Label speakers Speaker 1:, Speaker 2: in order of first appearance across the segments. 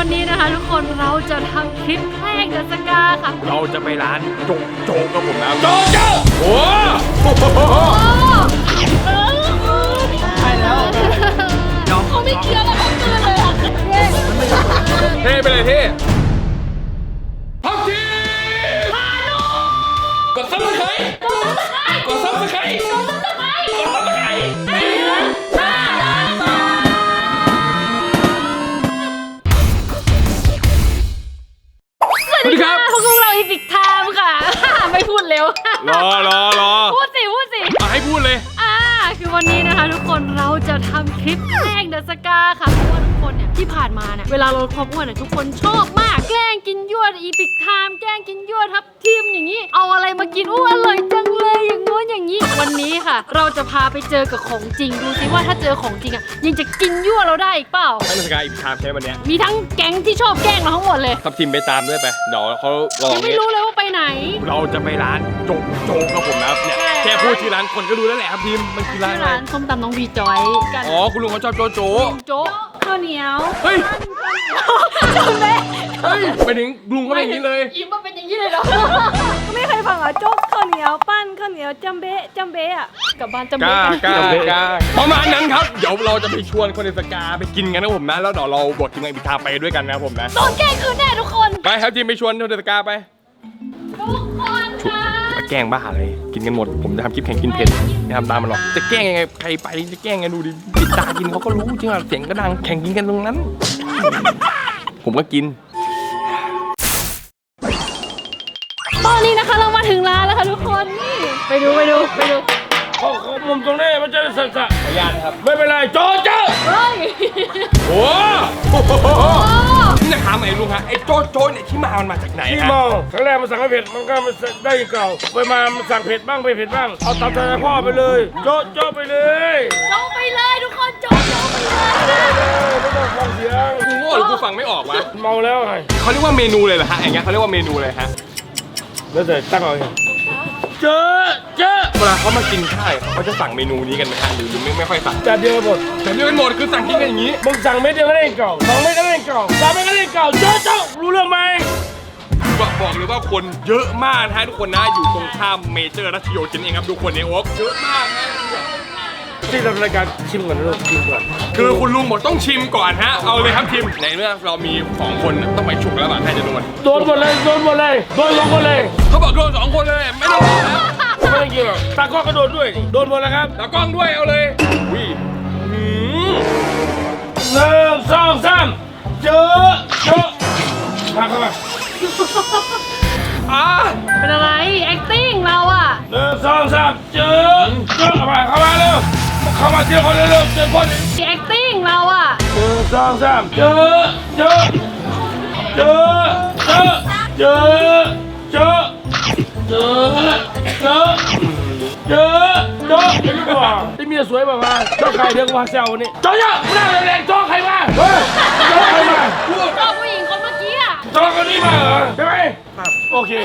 Speaker 1: วันนี้นะคะทุกคนเราจะทำคลิปแกล้งเดอะสกาค่ะ
Speaker 2: เราจะไปร้านโจ๊กกับผมนะโจ๊กโอ้
Speaker 1: ใช่แล้วเขาไม่เคี้ยวแล้วเขาตื่นเลยอ่ะ
Speaker 2: เท่ไปเลยเท่พักทีกดซับสไครต์กดซับสไครต์สวัสดีครับ
Speaker 1: พวกเราอีพิกไทม์ค่ะไม่พูดเร็ว
Speaker 2: รอ
Speaker 1: พูดสิ
Speaker 2: ให้พูดเลย
Speaker 1: คือวันนี้นะคะทุกคนเราจะทำคลิปแกล้งเดอะสกาค่ะเพราะว่าทุกคนเนี่ยที่ผ่านมาเนี่ยเวลาลดความอ้วนเนี่ยทุกคนชอบมากแกล้งกินยั่วอีพิกไทม์แกล้งกินยั่วทับทิมอย่างนี้เอาอะไรมากินอ้วนอร่อยจังเลยอย่างโน้นอย่างนี้วันนี้ค่ะเราจะพาไปเจอกับของจริงดูสิว่าถ้าเจอของจริงอ่ะยังจะกินยั่วเราได้อีกเปล่า
Speaker 2: ให้สกายอีกทามใช่วันนี้
Speaker 1: มีทั้งแก๊งที่ชอบแกล้งเราทั้งหมดเลย
Speaker 2: ทับทิมไปตามด้วยไปเดี๋ยวเขาลอง
Speaker 1: ยังไม่รู้เลยว่าไปไหน
Speaker 2: เราจะไปร้านโจ๊กกับผมนะครับเนี่ยแค่พูดชื่อร้านคนก็รู้แล้วแหละครับทีมมันคือร้านอะไร
Speaker 1: ส้มตำน้องวีจอยกัน
Speaker 2: อ๋อคุณลุงเขาชอบโจ๊ก
Speaker 1: ข้าวเหนียว
Speaker 2: เฮ้ย
Speaker 1: จำได้
Speaker 2: เฮ้ยไปถึงลุงเขาเป็นอย่างนี้เลย
Speaker 1: ยิ้มมาเป็นอย่างนี้เลยเหรอ
Speaker 3: ก็ไม่เคยฟังเหรอโจ๊กข้าวเหนียวปั้นข้าวเหนียวจำเบะอ่ะ
Speaker 1: กับบ้านจำเบะ
Speaker 2: กล้าประมาณนั้นครับเดี๋ยวเราจะไปชวนคนในสกาไปกินกันนะผมนะแล้วเดี๋ยวเราบวกทีมงานอีกทางไปด้วยกันนะผมนะ
Speaker 1: โดนแกล้งคืนแน่ทุกคน
Speaker 2: ไปครับทีมไปชวนคนในสกาไป
Speaker 1: ทุกคนค่ะ
Speaker 2: แกล้งบ้าอะไรกินกันหมดผมจะทำคลิปแข่งกินเผ็ดไม่ทำตามมันหรอกจะแกล้งยังไงใครไปจะแกล้งไงดูดิปิดตากินเขาก็รู้จริงอ่ะเสียงก็ดังแข่งกินกันตรงนั้นผมก็กิน
Speaker 1: ตอนนี้นะคะเรามาถึงร้านแล้วค่ะทุกคนนี่ไปดู
Speaker 4: เขามุมตรงนี้มันจะสั่น
Speaker 2: ขยันครับ
Speaker 4: ไม่เป็นไรโจ๊ก
Speaker 1: เฮ้ย
Speaker 2: โอ้นี่จะถามไอ้ลุงฮะไอ้โจ๊กเนี่ยที่มันมาจากไหน
Speaker 4: ที่มองครั้งแรกมันสั่งไม่เผ็ดมันก็มันได้เก่าไปมามันสั่งเผ็ดบ้างไม่เผ็ดบ้างเอาตามใจพ่อไปเลยโจ๊กไปเลย
Speaker 1: ทุกคนโจ๊กไปเลย
Speaker 4: ไม่ต้องฟังเสียง
Speaker 2: กูโง่หรือกูฟังไม่ออกวะ
Speaker 4: เมาแล้วไง
Speaker 2: เขาเรียกว่าเมนูเลยเหรอฮะอย่างเงี้ยเขาเรียกว่าเมนูเลยฮะ
Speaker 4: แล้วแต่ตั้งเอาเจอ
Speaker 2: เวลาเขามากินข้าวเขาจะสั่งเมนูนี้กันไหมฮะหรือไม่ค่อยสั่ง
Speaker 4: จานเดียวหมด
Speaker 2: คือสั่งกินกันอย่างนี้
Speaker 4: มึงสั่งเม็ดเดียวก็ได้เก่า2 เม็ดก็ได้เก่า3 เม็ดก็ได้เก่าโจ๊กรู้เรื่องไหม
Speaker 2: บอกเลยว่าคนเยอะมากนะทุกคนนะอยู่ตรงข้ามเมเจอร์รัชโยธินเองครับดูคนในโอ๊กเยอะมากนะ
Speaker 4: ที่ทำรายการชิมก่อนนะลูกชิมก่อน
Speaker 2: คือคุณลุงบอกต้องชิมก่อนฮะเอาเลยครับชิมในเมื่อเรามี2 คนต้องไปฉุกแล้วป่ะใครจะโดน
Speaker 4: หมดเลยโดน2 คนเลย
Speaker 2: เขาบอกโดน2 คนเลยไม่โดนแล้ว
Speaker 4: ไม่ต้องกินหรอกตากล้องก็โดนด้วยโดนหมดแล้วครับ
Speaker 2: ตากล้องด้วยเอาเลยวิ่
Speaker 4: 1 2 3เจอมาเข้ามา
Speaker 1: เป็นอะไร acting เราอ่ะ
Speaker 4: 1 2 3เจอเข้ามาเร็วเข้ามาเจอคนเร็วเจอคน
Speaker 1: acting เราอ่ะ
Speaker 4: 1 2 3เจอที่เมียสวยแบบว่าเจ้าใครเรียกว่าแซวนี่โจ๊กไม่ได้แรงโจ๊กใครมาโจ๊กใครมา
Speaker 1: โจ๊กผู้หญิงคนเมื่อกี้อ่ะ
Speaker 4: โจ๊กคนนี้มาเหรอใช่ไหมโอเค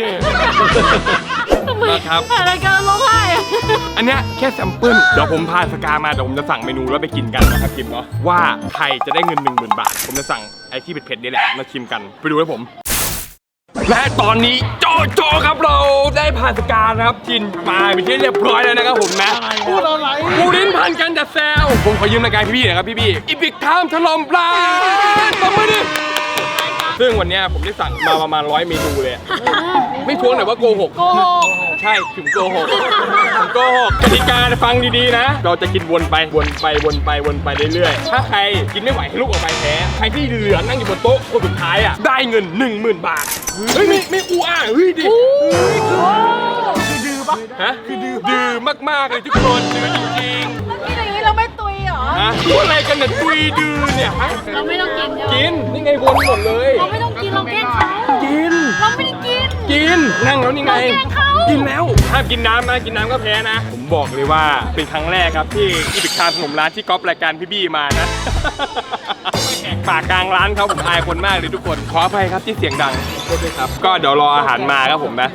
Speaker 2: ครับ
Speaker 1: อะไรกันร้องไห้
Speaker 2: อันเนี้ยแค่แซมเปิลเดี๋ยวผมพาสกามาเดี๋ยวผมจะสั่งเมนูแล้วไปกินกันนะครับทีมเนาะว่าใครจะได้เงิน 10,000 บาทผมจะสั่งไอ้ที่เผ็ดๆนี่แหละมาชิมกันไปดูให้ผมและตอนนี้โจครับเราได้ผ่านสกานะครับกินปลาเป็นที่เรียบร้อยแล้วนะครับผมนะ
Speaker 4: พูดอะไร
Speaker 2: กูลิ้นพันกันจะแซวผมขอยืมรายการพี่ๆนะครับพี่อีพิกไทม์ถล่มปลาตบมือดิซึ่งวันนี้ผมได้สั่งมาประมาณ100 เมนูเลยไม่ทวงหน่อยว่าโกหกใช่ถึงโกหกกติกาฟังดีๆนะเราจะกินวนไปเรื่อยๆถ้าใครกินไม่ไหวให้ลุกออกไปแพ้ใครที่เหลือนั่งอยู่บนโต๊ะคนสุดท้ายอ่ะได้เงิน 10,000 บาทเฮ้ยไม่อูอ่ะเฮ้ยดิคือดื้อปะฮะคือดื้อมากๆเลยทุกคนดื้อจริง
Speaker 3: ๆกินอย่างนี้เราไม่ตุยเหรอ
Speaker 2: พูดอะไรกันเนี่ยตุยดื้อเนี่ย
Speaker 1: เราไม่ต้อง
Speaker 2: กินนี่ไงวนหมดเลย
Speaker 1: เราไม่ต้องกินเราแกล้งเขา
Speaker 2: กิน
Speaker 1: เราไม่ได้กิน
Speaker 2: นั่งแล้วนี่ไงกินแล้วห้ามกินน้ำนะกินน้ำก็แพ้นะผมบอกเลยว่าเป็นครั้งแรกครับที่อีพิกไทม์ขนมร้านที่ก๊อปรายการพี่บี้มานะปากกลางร้านเขาผมอายคนมากเลยทุกคนขออภัยครับที่เสียงดังด้วยครับก็เดี๋ยวรออาหารมาครับผมนะ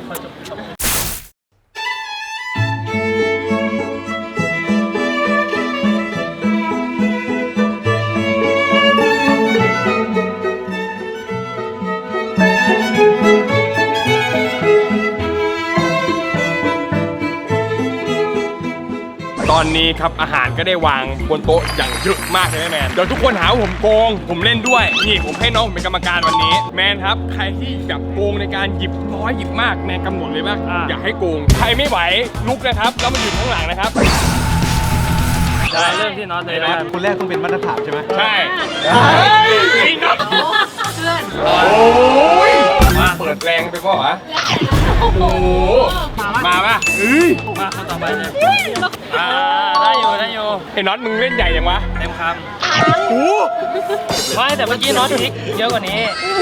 Speaker 2: อนนี้ครับอาหารก็ได้วางบนโต๊ะอย่างเยอะมากเลยแมนเดี๋ยวทุกคนหาว่าผมโกงผมเล่นด้วยนี่ผมให้น้องผมเป็นกรรมการวันนี้แมนครับใครที่แบบโกงในการหยิบน้อยหยิบมากแมนกำหนดเลยว่าอยากให้โกงใครไม่ไหวลุกนะครับแล้วมาอยู่ข้างหลังนะครับ
Speaker 5: ได้เริ่มที่น็อตเลยนะ
Speaker 6: คนแรกต้องเป็นมาตรฐานใช่ไหม
Speaker 2: ใช่จริงครับโอ้ยเปิดแรงไปป่ะวะโอ้โหมาป่ะเฮ้ย
Speaker 5: มาคนต่อไปเลยได้อยู่
Speaker 2: ไอ้น็อตมึงเล่นใหญ่ยังวะ
Speaker 5: เต็มค
Speaker 2: โอ้
Speaker 5: ำไม่แต่เมื่อกี้น็อตพลิกเยอะกว่านี้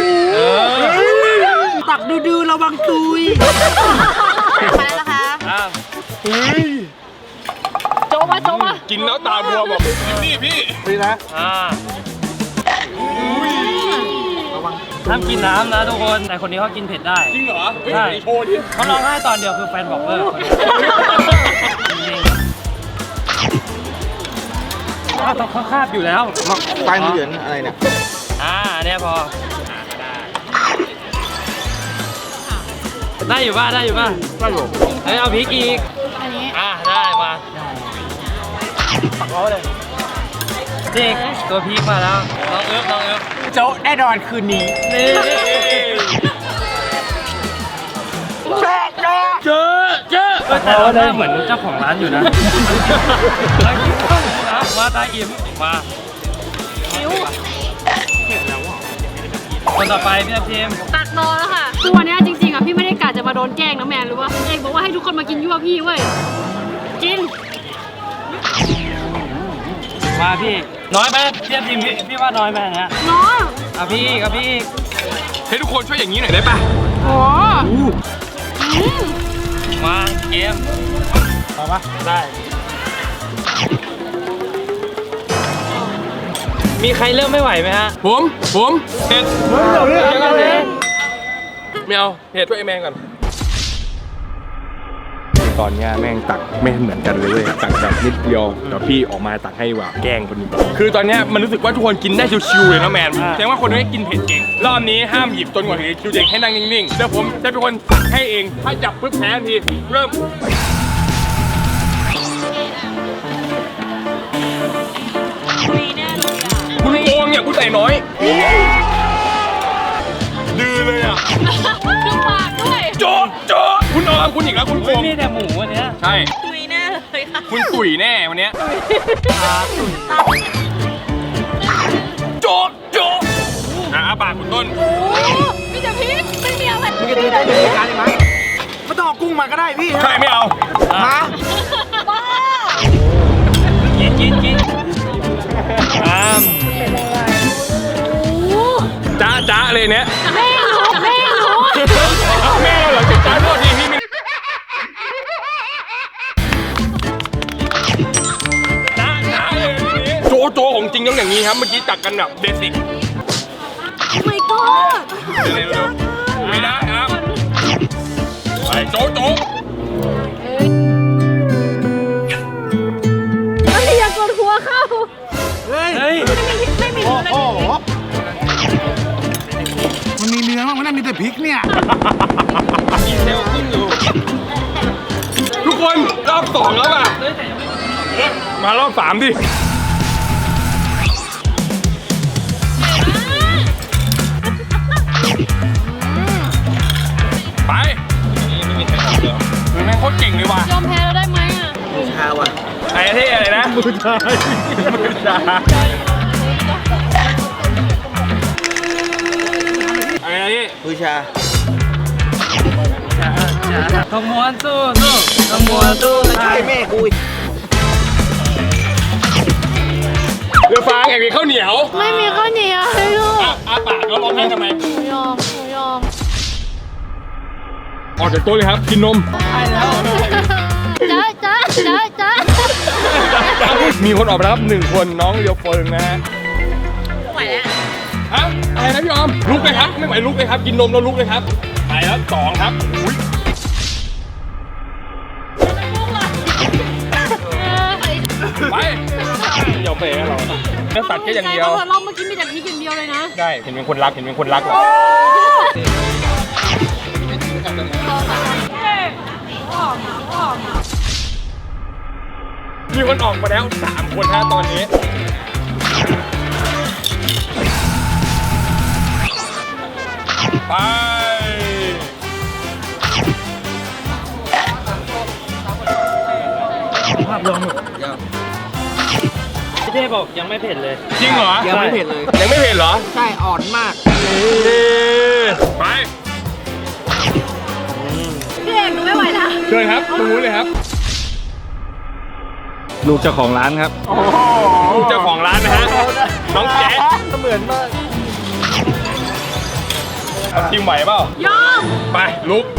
Speaker 6: ตักดื้อระวังตุย
Speaker 3: มาแล้วนะคะ
Speaker 5: อ้าว
Speaker 2: เฮ้ย
Speaker 1: โจมาโจมา
Speaker 2: กินแล้วตาบวมบอกนี่พี่
Speaker 6: นี่นะ
Speaker 5: ห้ามกินน้ำนะทุกคนแต่คนนี้เขากินเผ็ดได้
Speaker 2: จริงเหรอเฮ้ย
Speaker 5: ใช่
Speaker 2: โชว์ดิ
Speaker 5: เขาร้องไห้ตอนเดียวคือแฟนบอกเลิกต้องเขาคาบอยู่แล้ว
Speaker 6: ปลายมือเหลือนอะไรเนี่ย
Speaker 5: เนี่ยพอได้อยู่ป่ะได้อยู่เฮ้ยเอาพริกอีกได้มาปักเขาเลยนี่ตัวพริกมาแล้วน้องเอิบ
Speaker 6: โจ๊ะแน่นอนคืนนี้
Speaker 5: นี่
Speaker 2: เจอ
Speaker 5: แต่เราหน้าเหมือนเจ้าของร้านอยู่นะมาตาอิ่มมาคนต่อไปพี่ทีม
Speaker 1: ตักนอนแล้วค่ะคือวันนี้จริงๆอ่ะพี่ไม่ได้กะจะมาโดนแกล้งนะแมนหรือว่าเอกบอกว่าให้ทุกคนมากินยั่วพี่เว้ยกิน
Speaker 5: มาพี่น้อยไปพี่ทีมพี่ว่าน้อยไปนะ
Speaker 1: น้อง
Speaker 5: พี่กับพี่
Speaker 2: ให้ทุกคนช่วยอย่างนี้หน่อยได้ป่ะ
Speaker 1: โอ้
Speaker 5: มาเกม
Speaker 6: เอาปะ
Speaker 5: ได้มีใครเริ่มไม่ไหวไหมฮะ
Speaker 2: ผมเผ็ด
Speaker 5: ยังไง
Speaker 2: ไม่เอาเผ็ดช่วยไอ้แมงก่อนตอนเนี้ยแม่งตักไม่เหมือนกันเลยเว้ยตักแบบนิดเดียวเดี๋ยวพี่ออกมาตักให้ว่าแกล้งคนนี้คือตอนเนี้ยมันรู้สึกว่าทุกคนกินได้ชิวๆเลยนะแมนแสดงว่าคนนี้กินเผ็ดเก่งรอบนี้ห้ามหยิบจนกว่าถึงคิวเด็กให้นั่งนิ่งๆเดี๋ยวผมจะเป็นคนตักให้เองถ้าจับปุ๊บแพ้ทันทีเริ่มคุณโกงเนี่ยคุณใส่น้อยดื้อเลยอ่ะ
Speaker 1: ดูปากด้วย
Speaker 2: โจ๊ะคุณออมคุณอีกแล้วคุณโก
Speaker 5: ไม่
Speaker 2: ง
Speaker 5: มีแต่หมูวันเนี้ย
Speaker 2: ใช่
Speaker 3: ตุยแน่เลยค่ะ
Speaker 2: คุณตุ๋ยแน่วันเนี้ยโจ๊ะอาปากคุณต้น
Speaker 1: โอ้มีแต่พริกไม่มีอะไร
Speaker 6: มึงจะดูได้ในรายการได้ไหมไม่ต้องเอากุ้งมาก็ได้พี่
Speaker 2: ใช่ไม่เอา
Speaker 6: มา
Speaker 1: บ้า
Speaker 5: กิน
Speaker 1: โอ้
Speaker 2: จ้าเลยเนี้ย
Speaker 1: แม่รู้
Speaker 2: แม่เหรอจ้าโทษทีพี่จ้าเลยทีนี้โจของจริงต้องอย่างนี้ครับเมื่อกี้ตักกันแบบเบสิก
Speaker 3: ไม่ก็
Speaker 2: เร็วๆไม่ได้ครับไปโจ
Speaker 1: ไม่อยากกดหัวเข้า
Speaker 6: เฮ้ย
Speaker 5: เฮ้ย
Speaker 3: ไม่มี
Speaker 6: โอ้โหมันมีเนื้อมั้งมันน่ามีแต่พริกเนี่ย
Speaker 2: กินเร็วขึ้นอยู่ทุกคนรอบ2แล้วอ่ะมารอบ3ดิไปนี่ไม่มีใครตอบเลยมึงแม่งโคตรเก่งเลยว่ะ
Speaker 1: ยอมแพ้แล้วได้ไหมอ่ะ
Speaker 6: ชาว่ะ
Speaker 2: ไอ้ที่อะไรนะมือชายอะไรนะพี่
Speaker 6: มือชา
Speaker 5: ขมวนสู้ขมวนสู้
Speaker 6: ใช่แม่กู
Speaker 2: เรือฟางอยากกินข้าวเหนียว
Speaker 1: ไม่มีข้าวเหนียวให้ลูก
Speaker 2: อาปากแล้วร้องไห้ทำไม
Speaker 1: หนูยอม
Speaker 2: ออกจากโต๊ะเลยครับ กินนม
Speaker 1: จ้า
Speaker 2: มีคนออกมาแล้วครับ1 คนน้องเรียวเฟิงนะฮะ
Speaker 3: ไหวแล้ว
Speaker 2: ฮะอะไรนะพี่ออมลุกเลยครับไม่ไหวลุกเลยครับกินนมแล้วลุกเลยครับไปแล้ว2ครับอุ๊ยไปยอมไปให้เราเนื้อสัตว์แค่อย่างเดียว
Speaker 1: เราเมื่อกี้มีแต่พริกอย่างเดียวเลยนะ
Speaker 2: ได้เห็นเป็นคนรักว่ะมีคนออกมาแล้ว3 คนฮะตอนนี้ไป
Speaker 5: ภาพรวมพี่เทพบอกยังไม่เผ็ดเลย
Speaker 2: จริงเหรอ
Speaker 6: ยังไม่เผ็ดเลย
Speaker 2: ยังไม่เผ็ดเหรอ
Speaker 6: ใช่อ่อนมาก
Speaker 2: ไป
Speaker 3: พี่เอกหนูไม่ไหวแล้ว
Speaker 2: เชิญครับตรงนู้นเลยครับ
Speaker 5: ลูกเจ้าของร้านครับ
Speaker 2: ลูกเจ้าของร้านนะฮะน้องแจ๊ะ
Speaker 6: เหมือนมาก
Speaker 2: ทีมไหวเปล่าย
Speaker 1: อม
Speaker 2: ไปลุก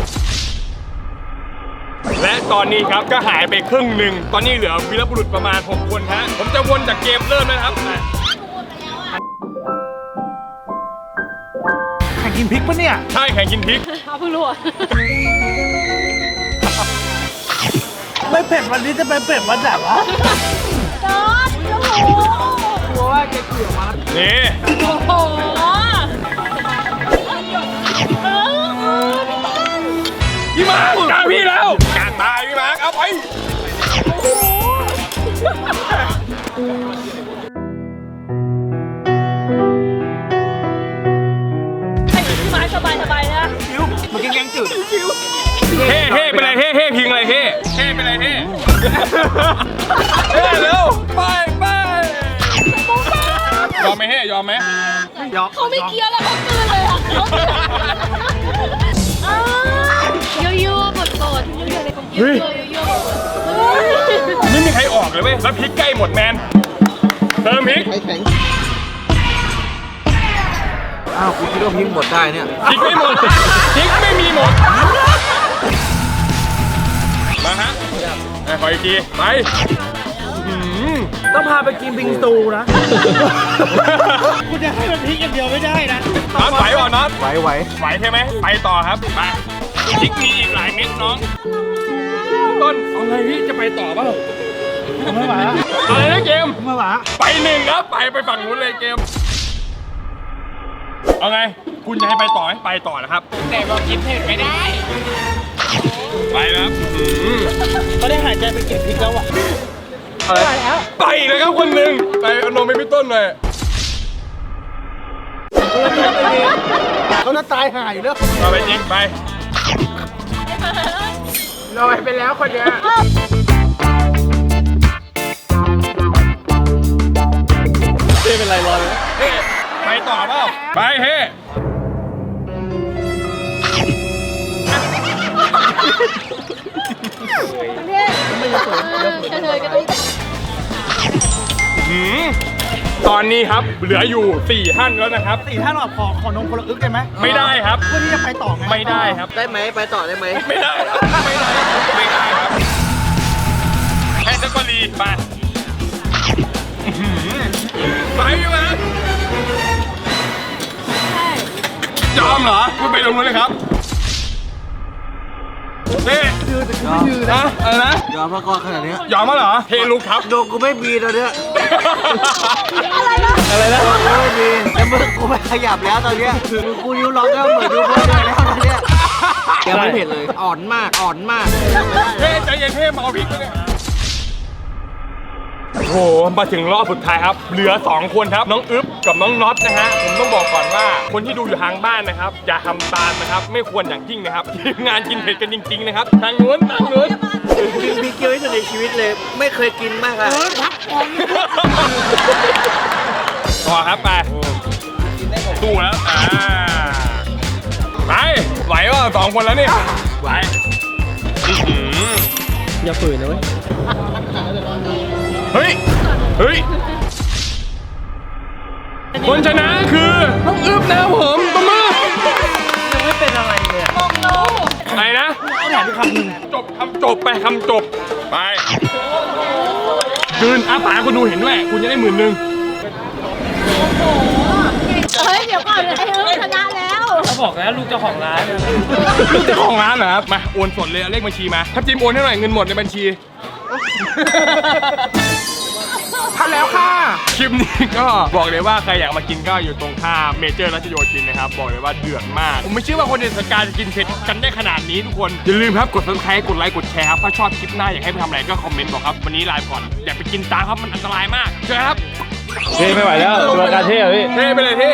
Speaker 2: และตอนนี้ครับก็หายไปครึ่งหนึ่งตอนนี้เหลือวีรบุรุษประมาณ6 คนฮะผมจะวนจากเกมเริ่มแล้วนะครับมา
Speaker 6: แข่งกินพริกปะเนี่ย
Speaker 2: ใช่แข่งกินพริก
Speaker 1: เอาเพิ่งรู้อะ
Speaker 6: ไม่เผ็ดวันนี้จะไปเผ็ดวันไหนวะ
Speaker 3: จอดโอ้โห
Speaker 6: กลัวว่าแกเกี่ยวมา
Speaker 2: นี่
Speaker 1: โอ้โห
Speaker 2: พี่มาร์คกลางพี่แล้วกลางตายพี่มาร์คเอาไป
Speaker 3: พี่ไม้สบายนะ
Speaker 6: คิ้วมากินแกงจืดคิ้ว
Speaker 2: เฮ่เฮ่เป็นไรเฮ่เฮ่พิงอะไรเฮ่เฮ่เป็นไรเฮ่เฮ่เร็วไปไปยอมไหมเฮ่ยอมไหม
Speaker 6: ยอม
Speaker 3: เขาไม่เคี้ยวแล้วเขากลืนเลยอ่ะเขากลืนยั่วๆบดๆยั่วๆในความคิดยั่วๆ
Speaker 2: ไม่มีใครออกเลยเว้ยแล้วพริกใกล้หมดแมนเติมพริก
Speaker 6: อ้าวกูคิดว่าพริกหมดได้เนี่ย
Speaker 2: พริกไม่หมดพริกไม่มีหมดมาฮะขออีกทีไป
Speaker 6: ต้องพาไปกินบิงซูนะ กูจะให้มันพริกอย่างเดียวไม่ได้นะ
Speaker 2: น็อตไหวเปล่าน็อต
Speaker 6: ไหว
Speaker 2: ไหวใช่ไหมไปต่อครับไปพริกมีอีกหลายเม็ดน้องต้นเอาไงพี่จะไปต่อเปล่า
Speaker 6: ไม่ไหวแล้ว
Speaker 2: อะไรนะเกม
Speaker 6: ไม่ไหว
Speaker 2: ไป1ครับไปฝั่งนู้นเลยเกมเอาไงคุณจะให้ไปต่อไหมไปต่อนะครับแต่บอกกินเผ็ดไม่ได้ไปนะครับ
Speaker 6: เขาได้หายใจไปกินพริกแล้วอ่ะ
Speaker 2: ไปอีกเลยครับคนหนึ่งไปเอานมไปพี่ต้นหน่อย
Speaker 6: เขาจะตายหายแล้ว
Speaker 2: เอาไปจริงไปลอยไปแล้วคนเนี้ยเฮ้เป็นไรลอยเฮ้ไปต่อเปล่าไปเฮ้ตอนนี้ครับเหลืออยู่4 ท่านแล้วนะครับ
Speaker 6: 4 ท่านหรอขอนมคนละอึกได้ไหม
Speaker 2: ไม่ได้ครับ
Speaker 6: เพื่อที่จะไปต่อไง
Speaker 2: ไม่ได้ครับ
Speaker 6: ได้ไหมไปต่อได้ไหม
Speaker 2: ไม่ได้ครับไม่ได้ครับไม่ได้ครับให้สักกรีไปไปไหมยอมเหรอคุณไปตรงนู้นเลยครับเฮ้นะอะไรนะ
Speaker 6: ยอมพระกรขนาดนี้
Speaker 2: ยอมมั้ยเหรอเฮลุกครับ
Speaker 6: โดกูไม่มีตอนเนี้ย
Speaker 3: อะไรนะ
Speaker 2: อะไรนะ
Speaker 6: กูไม่มีแล้วมือกูไม่ขยับแล้วตอนเนี้ยมือกูนิ้วล็อกแล้วเหมือนดูเพื่อนเลยแล้วตอนเนี้ยยังไม่เผ็ดเลย อ่อนมากอ่อนมาก
Speaker 2: เฮ้ใจเย็นเฮ้มาเอาพริกมาเนี่ยโอ้โหมาถึงรอบสุดท้ายครับเหลือ2 คนครับน้องอึ๊บกับน้องน็อตนะฮะผมต้องบอกก่อนว่าคนที่ดูอยู่ทางบ้านนะครับอย่าทำตามนะครับไม่ควรอย่างยิ่งนะครับทีมงานกินเผ็ดกันจริงๆนะครับทางนู้น
Speaker 6: กินพริกเยอะที่สุดในชีวิตเลย ไม่เคยกินมากอะ
Speaker 2: ต่อครับไปสู้แล้วไปไหวป่ะ2 คนแล้วนี่ไหวอย่าฝืนนะเว้ยเฮ้ยคนชนะคือน้องอึ๊บนะครับผมตบมือ
Speaker 5: ยังไม่เป็นอะไรเลยอะ
Speaker 2: ไหนนะ
Speaker 6: เอาถามคำหนึ่ง
Speaker 2: จบไปคำจบไปคืนอ้าปากคุณดูเห็นด้วยคุณจะได้10,000
Speaker 3: เฮ้ยเดี๋ยวก่อนไอ้เอิร์ธชนะแล้ว
Speaker 5: เขาบอกแล้วลูกเจ้าของร้าน
Speaker 2: ลูกเจ้าของร้านเหรอครับมาโอนสดเลยเอาเลขบัญชีมาถ้าจิมโอนให้หน่อยเงินหมดในบัญชี 6,000 แล้วค่ะ คลิปนี้ก็บอกเลยว่าใครอยากมากินก็อยู่ตรงข้ามเมเจอร์รัชโยธินนะครับ บอกเลยว่าเดือดมาก ผมไม่เชื่อว่าคนในสกาจะกินเผ็ดกันได้ขนาดนี้ทุกคน อย่าลืมครับกด subscribe กดไลค์กดแชร์ครับถ้าชอบคลิปหน้าอยากให้ไปทำอะไรก็คอมเมนต์บอกครับวันนี้ลาไปก่อนอย่าไปกินตามครับมันอันตรายมากเจอกันครับ
Speaker 5: เท่ไม่ไหวแล้วตัวการเท่อะพี่
Speaker 2: เท่ไปเลยเท่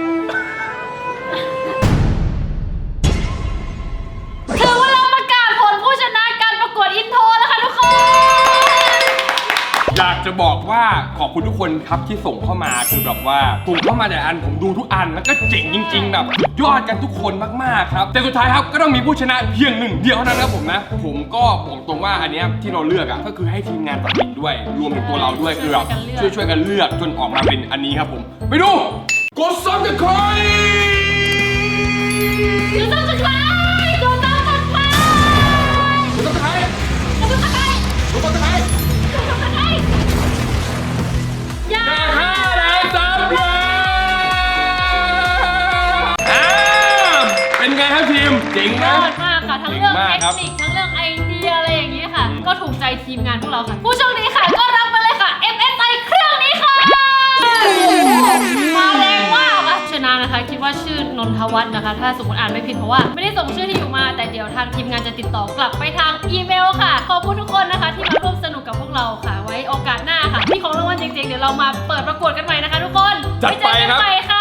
Speaker 1: ถึงเวลาประกาศผลผู้ชนะการประกวดอินโทรแล้วค่ะทุกคน
Speaker 2: อยากจะบอกว่าขอบคุณทุกคนครับที่ส่งเข้ามาคือแบบว่าส่งเข้ามาแต่อันผมดูทุกอันแล้วก็เจ๋งจริงๆแบบสุดยอดกันทุกคนมากๆครับแต่สุดท้ายครับก็ต้องมีผู้ชนะเพียงหนึ่งเดียวเท่านั้นครับผมนะผมก็บอกตรงว่าอันเนี้ยที่เราเลือกอ่ะก็คือให้ทีมงานตัดสินด้วยรวมถึงตัวเราด้วยคือแบบช่วยกันเลือกจนออกมาเป็นอันนี้ครับผมไปดูกดซับสไครต์
Speaker 1: กดซับสไครต์กดซับสไครต์
Speaker 2: กดซับสไครต์
Speaker 1: กดซับสไครต์
Speaker 2: กดซับสไครต์
Speaker 1: กดซับสไครต์อย่า
Speaker 2: 5 ล้านซับเลยเป็นไงครับทีมเจ๋ง
Speaker 1: ย
Speaker 2: นะ
Speaker 1: อดมากค่ะทั้งเรื่อง
Speaker 2: เก่งมาก
Speaker 1: เท
Speaker 2: ครับ
Speaker 1: คนิคทั้งเรื่องไอเดียอะไรอย่างนี้ค่ะ ก็ถูกใจทีมงานพวกเราค่ะ ผู้โชคดีค่ะก็รับไปเลยค่ะ MSI เครื่องนี้ค่ะ มาแรงมากอะชนะนะคะคิดว่าชื่อนนทวัฒน์นะคะ ถ้าสมมติอ่านไม่ผิดเพราะว่าไม่ได้ส่งชื่อที่อยู่มาแต่เดี๋ยวทางทีมงานจะติดต่อกลับไปทางอีเมลค่ะ ขอบคุณทุกคนนะคะที่มาร่วมสนุกกับพวกเราค่ะ ไว้โอกาสหน้าค่ะมีของรางวัลเจ๋งๆเดี๋ยวเรามาเปิดประกวดกันใหม่นะคะทุกคน
Speaker 2: จัดไปครับ
Speaker 1: ว้เจอกันใหม่ค่ะ